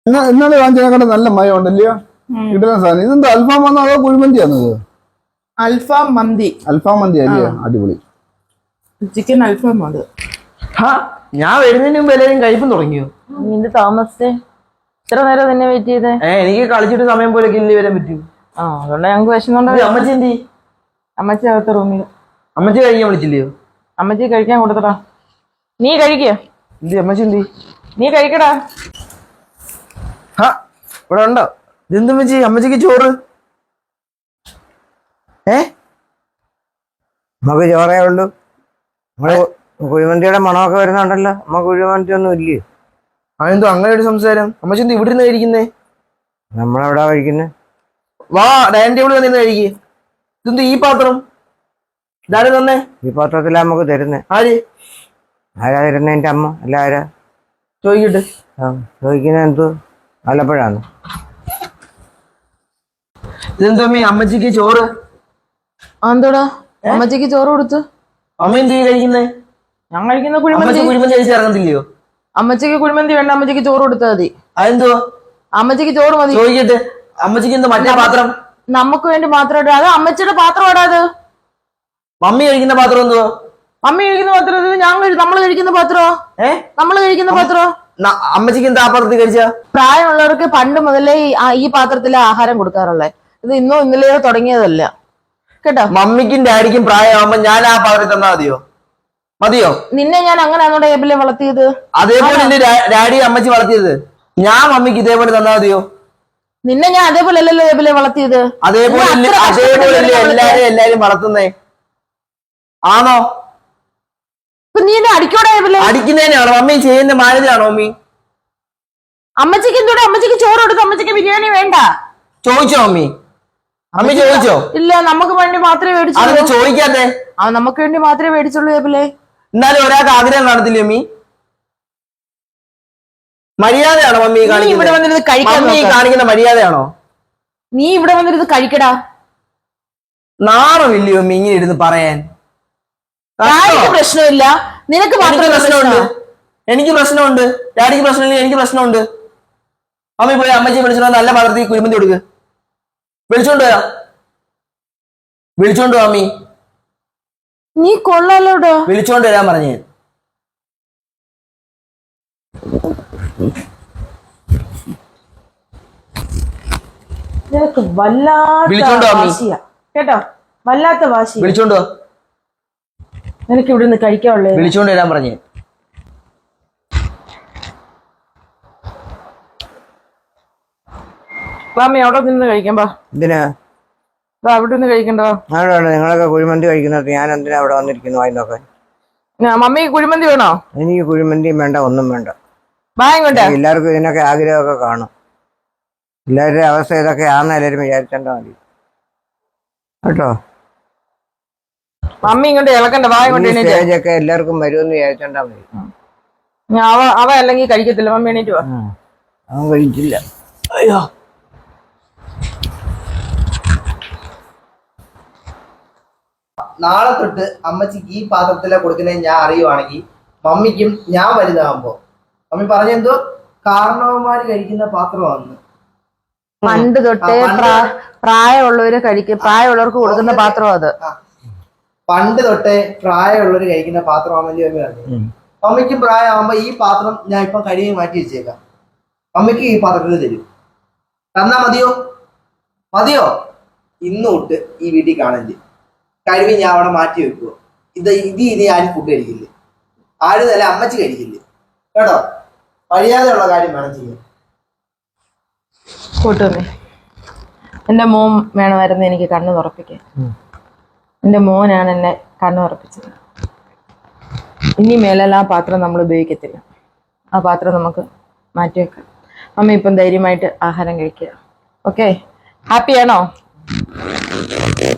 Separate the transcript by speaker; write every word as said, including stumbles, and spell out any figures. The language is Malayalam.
Speaker 1: ഇന്നലെ വാങ്ങിച്ചതിനെക്കാളും നല്ല മയം ഉണ്ടല്ലയോ? കിട്ടുന്ന സാധനം ഇതെന്താ അൽഫാം വന്നോ അതോ കുഴിമന്തിയാണോ ഇത്?
Speaker 2: അൽഫാം മന്തി.
Speaker 1: അൽഫാം മന്തി അല്ലയോ? അടിപൊളി
Speaker 2: ചിക്കൻ അൽഫാം അത്.
Speaker 3: ഞാൻ വരുന്നതിന് മുമ്പ് എല്ലാവരും കഴിപ്പം തുടങ്ങിയോ?
Speaker 4: നിന്റെ താമസിച്ചേ ഇത്ര നേരം നിന്നെ വെയിറ്റ് ചെയ്തേ?
Speaker 3: ഏഹ് എനിക്ക് കളിച്ചിട്ട് സമയം പോലെ ഇല്ലേ വരാൻ പറ്റൂ.
Speaker 4: ആ അതുകൊണ്ട് ഞങ്ങൾക്ക് വിഷമം.
Speaker 3: അമ്മച്ചി എന്തി?
Speaker 4: അമ്മച്ചി അകത്ത് റൂമിൽ.
Speaker 3: അമ്മച്ചി കഴിക്കാൻ വിളിച്ചില്ലയോ?
Speaker 4: അമ്മച്ചി കഴിക്കാൻ കൊടുത്തടാ. നീ കഴിക്കുക.
Speaker 3: എന്തി അമ്മച്ചി എന്തി?
Speaker 4: നീ കഴിക്കടാ.
Speaker 3: ഹാ ഇവിടെ ഉണ്ടോ? ഇതെന്തമ്മച്ചി അമ്മച്ചിക്ക് ചോറ്? ഏ
Speaker 5: നമുക്ക് ചോറേ ഉള്ളൂ. നമ്മള് കുഴിമന്തിയുടെ മണമൊക്കെ വരുന്നുണ്ടല്ലോ. നമുക്ക് കുഴിമന്തി ഒന്നും ഇല്ലേ?
Speaker 3: അതെന്തോ അങ്ങനെ ഒരു സംസാരം? അമ്മച്ചി എന്ത് ഇവിടെ നിന്ന് കഴിക്കുന്നേ?
Speaker 5: നമ്മളെവിടാ കഴിക്കുന്നേ?
Speaker 3: വാ ഡൈനിങ് ടേബിൾ വന്നിരുന്ന് കഴിക്കേ. ഇതെന്ത് ഈ പാത്രം? ഇതാരും തന്നെ
Speaker 5: ഈ പാത്രത്തിലാ നമുക്ക് തരുന്നേ.
Speaker 3: ആര്
Speaker 5: ആരാ തരുന്നേ? എന്റെ അമ്മ അല്ല ആരാ?
Speaker 3: ചോദിക്കട്ടെ.
Speaker 5: ആ ചോദിക്കുന്ന എന്തോ ആലപ്പുഴാണ്.
Speaker 3: ഇതെന്തോ അമ്മ അമ്മച്ചിക്ക് ചോറ്?
Speaker 4: എന്തോടാ അമ്മച്ചിക്ക് ചോറ് കൊടുത്തു?
Speaker 3: അമ്മ എന്ത് കഴിക്കുന്നേ?
Speaker 4: ഞാൻ കഴിക്കുന്ന കുഴിമന്തി.
Speaker 3: കുഴിമന്തി കഴിച്ച് ഇറങ്ങത്തില്ലയോ?
Speaker 4: അമ്മച്ചിക്ക് കുഴിമന്തി വേണ്ട, അമ്മച്ചിക്ക് ചോറ് കൊടുത്താൽ മതി.
Speaker 3: അതെന്തോ?
Speaker 4: അമ്മച്ചിക്ക് ചോറ് മതി.
Speaker 3: ചോദിക്കട്ടെ. അമ്മച്ചിക്ക് എന്തോ മറ്റേ പാത്രം?
Speaker 4: നമുക്ക് വേണ്ടി മാത്രം ഇടാ. അത് അമ്മച്ചിയുടെ പാത്രം ഇടാ. അത്
Speaker 3: മമ്മി കഴിക്കുന്ന പാത്രം എന്തോ?
Speaker 4: മമ്മി കഴിക്കുന്ന പാത്രം ഞാൻ നമ്മൾ കഴിക്കുന്ന പാത്രോ? ഏ നമ്മൾ കഴിക്കുന്ന പാത്രോ?
Speaker 3: അമ്മച്ചിക്ക് എന്താ ആ പാത്രത്തിൽ കഴിച്ച?
Speaker 4: പ്രായമുള്ളവർക്ക് പണ്ട് മുതലേ ഈ പാത്രത്തിലെ ആഹാരം കൊടുക്കാറുള്ളത്. ഇത് ഇന്നോ ഇന്നലെയോ തുടങ്ങിയതല്ല കേട്ടോ.
Speaker 3: മമ്മിക്കും ഡാഡിക്കും പ്രായമാകുമ്പോ ഞാൻ ആ പാത്രത്തിൽ തന്നാ മതിയോ? മതിയോ?
Speaker 4: നിന്നെ ഞാൻ അങ്ങനെയാണോ ടേബിളിൽ വളർത്തിയത്?
Speaker 3: അതേപോലെ എന്റെ ഡാഡി അമ്മച്ചി വളർത്തിയത്. ഞാൻ മമ്മിക്ക് ഇതേപോലെ തന്നാ മതിയോ?
Speaker 4: നിന്നെ ഞാൻ അതേപോലെ അല്ലല്ലോ ടേബിളിൽ വളർത്തിയത്.
Speaker 3: അതേപോലെ അതേപോലെ എല്ലാരും എല്ലാരും വളർത്തുന്നേ ആണോ?
Speaker 4: നീ എന്നെ അടിക്കോടെ?
Speaker 3: അടിക്കുന്നതിനാണോ? മമ്മി ചെയ്യുന്ന മാനേജാണോ മമ്മി?
Speaker 4: അമ്മച്ചിക്ക് എന്തോടെ? അമ്മച്ചിക്ക് ചോറ് കൊടുത്തു. അമ്മച്ചിക്ക് ബിരിയാണി വേണ്ട.
Speaker 3: ചോദിച്ചോ മമ്മി? അമ്മി ചോദിച്ചോ?
Speaker 4: ഇല്ല, നമുക്ക് വേണ്ടി മാത്രമേ മേടിച്ചുള്ളൂ.
Speaker 3: അതൊക്കെ ചോദിക്കാതെ.
Speaker 4: ആ നമുക്ക് വേണ്ടി മാത്രമേ മേടിച്ചുള്ളൂ ടേബിളെ.
Speaker 3: എന്നാലും ഒരാൾക്ക് ആഗ്രഹം കാണത്തില്ലേ മമ്മി? മര്യാദയാണോ മമ്മി
Speaker 4: ഇവിടെ വന്നിരുന്ന് കഴിക്കാൻ?
Speaker 3: മമ്മി കാണിക്കുന്ന മര്യാദയാണോ?
Speaker 4: നീ ഇവിടെ വന്നിരുന്ന് കഴിക്കടാ.
Speaker 3: നാണമില്ലയോ മമ്മി ഇങ്ങനെ ഇരുന്ന് പറയാൻ?
Speaker 4: പ്രശ്നമില്ല, നിനക്ക് മാത്രം
Speaker 3: പ്രശ്നമുണ്ട്. എനിക്ക് പ്രശ്നമുണ്ട്. ഡാഡിക്ക് പ്രശ്നമില്ല, എനിക്ക് പ്രശ്നമുണ്ട്. അമ്മി പോയി അമ്മച്ചി വിളിച്ചോ നല്ല പാത്രത്തിൽ കുഴിമന്തി കൊടുക്ക്. വിളിച്ചോണ്ട് വരാം. വിളിച്ചോണ്ട് അമ്മി.
Speaker 4: നീ കൊള്ളാലോടോ.
Speaker 3: വിളിച്ചോണ്ട് വരാൻ പറഞ്ഞേ.
Speaker 4: നിനക്ക് വല്ലാത്ത വാശിയാ കേട്ടോ, വല്ലാത്ത വാശി.
Speaker 3: വിളിച്ചോണ്ടോ.
Speaker 4: നിനക്ക് ഇവിടെ നിന്ന് കഴിക്കാനുള്ളേ.
Speaker 3: വിളിച്ചോണ്ട് വരാൻ പറഞ്ഞേ.
Speaker 4: വാമി അവിടെ നിന്ന് കഴിക്കാം. ബാ.
Speaker 5: എന്തിനാ
Speaker 4: അവിടെ നിന്ന് കഴിക്കണ്ടോ?
Speaker 5: അവിടെ നിങ്ങളൊക്കെ കുഴിമന്തി കഴിക്കുന്നത് ഞാൻ എന്തിനാ അവിടെ വന്നിരിക്കുന്നു വായി നോക്കാൻ?
Speaker 4: മമ്മി കുഴിമന്തി വേണോ?
Speaker 5: എനിക്ക് കുഴിമന്തിയും വേണ്ട, ഒന്നും വേണ്ട.
Speaker 4: വാങ്ങിക്കോട്ടെ.
Speaker 5: എല്ലാവർക്കും ഇതിനൊക്കെ ആഗ്രഹമൊക്കെ കാണും. എല്ലാവരുടെ അവസ്ഥ ഇതൊക്കെ ആണെന്ന് എല്ലാവരും വിചാരിച്ചാൽ മതി കേട്ടോ.
Speaker 4: മമ്മി ഇങ്ങോട്ട് ഇളക്കണ്ട.
Speaker 5: സ്റ്റേജൊക്കെ എല്ലാവർക്കും വരുമെന്ന് വിചാരിച്ചാൽ മതി.
Speaker 4: അവ അവ അല്ലെങ്കിൽ കഴിക്കത്തില്ല. മമ്മി എണീറ്റ് വാ.
Speaker 5: അവൻ കഴിച്ചില്ല.
Speaker 3: അയ്യോ നാളെ തൊട്ട് അമ്മച്ചിക്ക് ഈ പാത്രത്തിലെ കൊടുക്കുന്നത് ഞാൻ അറിയുവാണെങ്കിൽ മമ്മിക്കും ഞാൻ വലുതാകുമ്പോ മമ്മി പറഞ്ഞെന്തോ കാരണവന്മാര് കഴിക്കുന്ന പാത്രമാണ്.
Speaker 4: പണ്ട് തൊട്ടേ പ്രായമുള്ളവര് കഴിക്കും, പ്രായമുള്ളവർക്ക് കൊടുക്കുന്ന പാത്രം അത്.
Speaker 3: പണ്ട് തൊട്ടേ പ്രായമുള്ളവര് കഴിക്കുന്ന പാത്രമാണെന്നല്ലേ മമ്മി പറഞ്ഞു. മമ്മിക്കും പ്രായമാകുമ്പോ ഈ പാത്രം ഞാൻ ഇപ്പൊ കഴുകി മാറ്റി വെച്ചേക്കാം. മമ്മിക്ക് ഈ പാത്രത്തിൽ തരും. തന്നാ മതിയോ? മതിയോ? ഇന്ന് തൊട്ട് ഈ വീട്ടിൽ കാണില്ല. കഴിവി ഞാൻ അവിടെ മാറ്റി വെക്കുവോ. ഇത് ഇത് ഇനി ആരും ഫുഡ് കഴിക്കില്ല. ആരും തന്നെ അമ്മച്ചി കഴിക്കില്ല കേട്ടോ. കഴിയാതെയുള്ള കാര്യം വേണം ചെയ്യാൻ.
Speaker 4: കൂട്ടുമേ, എന്റെ മോൻ വേണമായിരുന്നു എനിക്ക് കണ്ണു തുറപ്പിക്കാൻ. എന്റെ മോനാണ് എന്നെ കണ്ണു തുറപ്പിച്ചത്. ഇനി മേലെല്ലാം ആ പാത്രം നമ്മൾ ഉപയോഗിക്കത്തില്ല. ആ പാത്രം നമുക്ക് മാറ്റിവെക്കാം. അമ്മ ഇപ്പം ധൈര്യമായിട്ട് ആഹാരം കഴിക്കുക. ഓക്കെ, ഹാപ്പിയാണോ?